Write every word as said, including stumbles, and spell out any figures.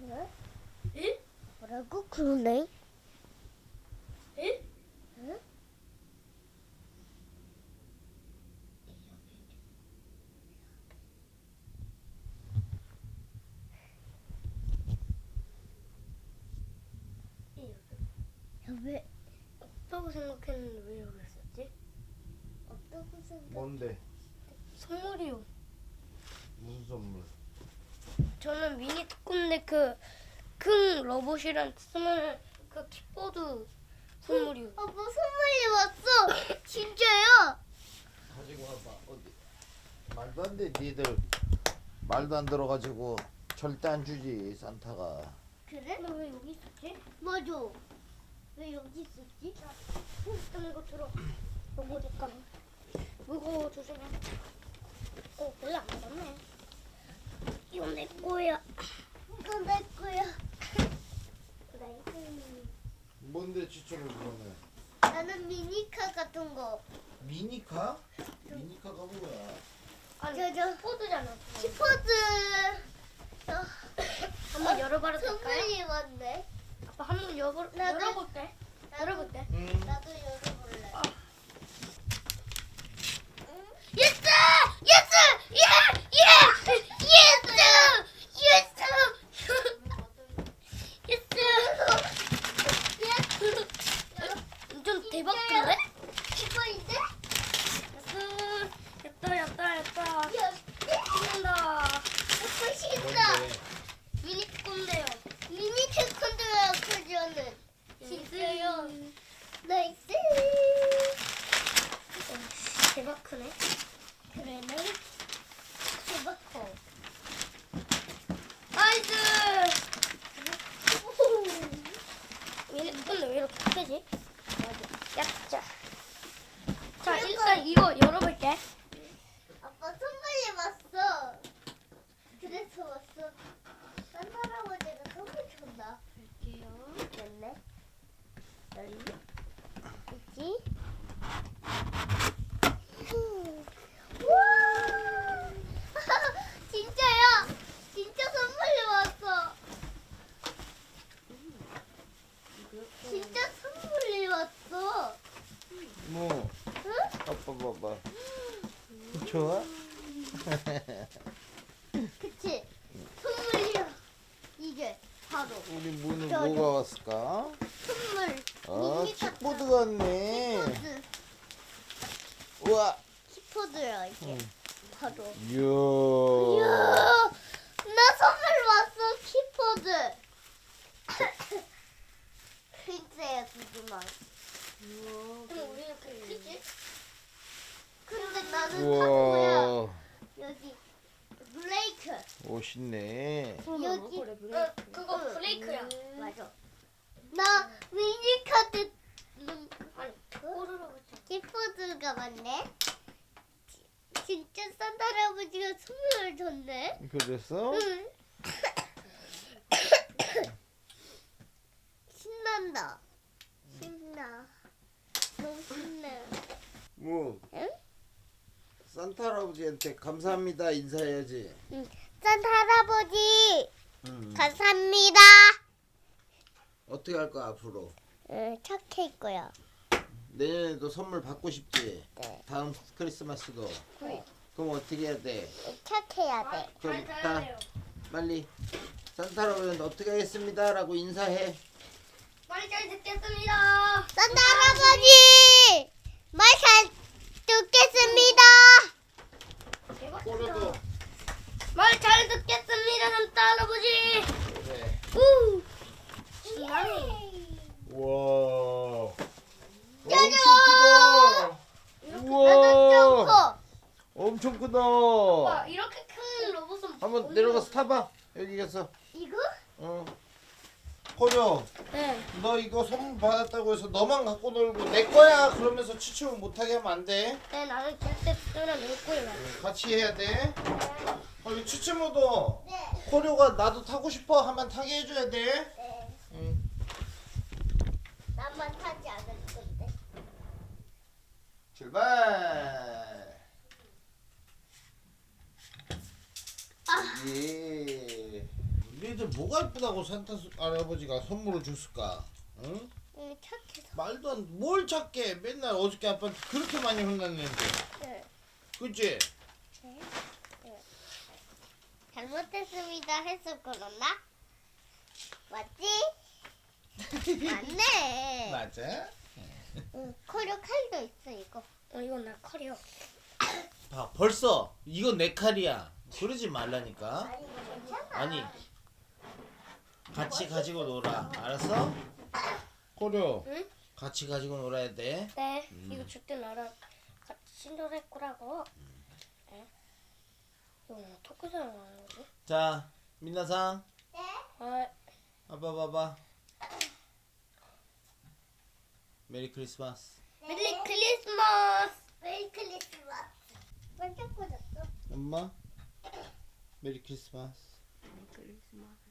그래? 응? 뭐라고? 그러네. 응? 응? 야, 왜 없다고 생각했는데 왜 여기 있었지? 없다고 생각? 뭔데? 선물이요. 무슨 선물? 저는 미니 특군대 그큰 로봇이랑 쓰는 그 킥보드 선물이요. 아, 뭐 선물이 왔어? 진짜요? 가지고 와봐. 어디? 말도 안 돼. 니들 말도 안 들어가지고 절대 안 주지 산타가. 그래? 근데 왜 여기 있었지? 맞아. 왜 여기 있었지? 일단 이거 들어. 이거 잠깐. 무거워 조심해. 어 별로 안 먹었네. 이거 내 거야. 이거 내 거야. 나이스. 뭔데 지쳐를 그러네. 나는 미니카 같은 거. 미니카? 미니카가 뭐야? 아니 저, 저. 포드잖아. 키퍼즈. 어, 한번 열어봐도 될까요? 선물이 왔네. 아빠 한번 열어 나도- 열어볼게. 열어볼게. 음. 나도 열어볼래. 아. 예스! 예스! 예! 예! 예스! 예스! 예스! 좀 대박인데? 이거인데? 예스. 됐다 됐다 됐다. 예스! 신난다. 먹고 싶다. 뭔데? 미니 꼰대요. 미니 태권도야 그저는. 진짜요. 나이스. 대박 크네. 그러네. 대박 커. 나이스. 미니 꼰대 왜 이렇게 크지? 야자. 자 일단 이거 열어볼게. 아빠 선물이 왔어. 그래서 왔어. 산 할아버지가 선물 줬나? 볼게요. 됐네. 여기 있지? 우와! 진짜야! 진짜 선물이 왔어. 진짜 선물이 왔어. 뭐? 응? 아빠 봐봐. 좋아? 그치? 선물이야. 이게 바로 우리 문은 저, 뭐가 왔을까? 선물. 아 미니 카트. 킥보드 같네. 키퍼드. 우와. 키퍼드야 이게. 응. 바로. 이야. 이야, 나 선물 왔어 키퍼드. 흰색 두지만. 근데 우리 이렇게 크지? 근데 나는 타코야. 우와. 여기 블레이크. 멋있네. 여기 어, 그거 응. 브레이크야. 맞아. 나 미니 카드 아니 꼬르르 붙여. 키퍼드가 맞네. 지- 진짜 산타 할아버지가 선물을 줬네. 그래서? 응. 신난다. 신나. 너무 신나. 뭐 응? 산타 할아버지한테 감사합니다 인사해야지. 산타 할아버지 응. 감사합니다. 어떻게 할 거야 앞으로? 응, 착할 거야. 내년에도 선물 받고 싶지? 네. 다음 크리스마스도. 네. 그럼 어떻게 해야 돼? 착해야 돼. 그럼 잘 다 자요. 빨리 산타 할아버지한테 어떻게 하겠습니다 라고 인사해. 빨리 잘 듣겠습니다. 산타 할아버지 말 잘 듣겠습니다. 코로도. 말 잘 듣겠습니다, 산타 할아버지. 그래. 우. 신나네. 우와. 짜잔! 엄청 크다. 나도 좀 우와. 커. 엄청 크다. 와 이렇게 큰 로봇은 한번 어디서- 내려가서 타봐. 여기 가서. 이거? 어. 코려. 네. 너 이거 선물 받았다고 해서 너만 갖고 놀고 내 거야 그러면서 추첨을 못하게 하면 안 돼. 네 나는 절대 쓰면 낼 거예요. 같이 해야 돼. 어, 이 추첨호도 네. 코려가 나도 타고 싶어 하면 타게 해줘야 돼. 네. 응. 나만 타지 않을 건데. 출발. 아. 예. 너희들 뭐가 이쁘다고 산타 수- 할아버지가 선물을 줬을까? 응? 응, 착해서. 말도 안, 뭘 찾게 맨날 어저께 아빠한테 그렇게 많이 혼났는데. 응. 그치? 잘못했습니다 해서 그러나? 맞지? 맞네. 맞아? 응, 커려 칼도 있어 이거. 어 이건 나 커리어. 봐, 벌써 이건 내 칼이야. 그러지 말라니까. 아니 이거 괜찮아. 아니, 같이 가지고 놀아. 알았어? 코려. 응? 같이 가지고 놀아야 돼. 네. 음. 이거 줄때 나랑 같이 놀할 거라고. 네. 이거 뭐 토크장 하는 거지? 자, 민나상, 네? 아, 아빠 봐봐. 메리 크리스마스. 메리 크리스마스. 메리 크리스마스. 반짝거렸어. 엄마, 메리 크리스마스. 크리스마스.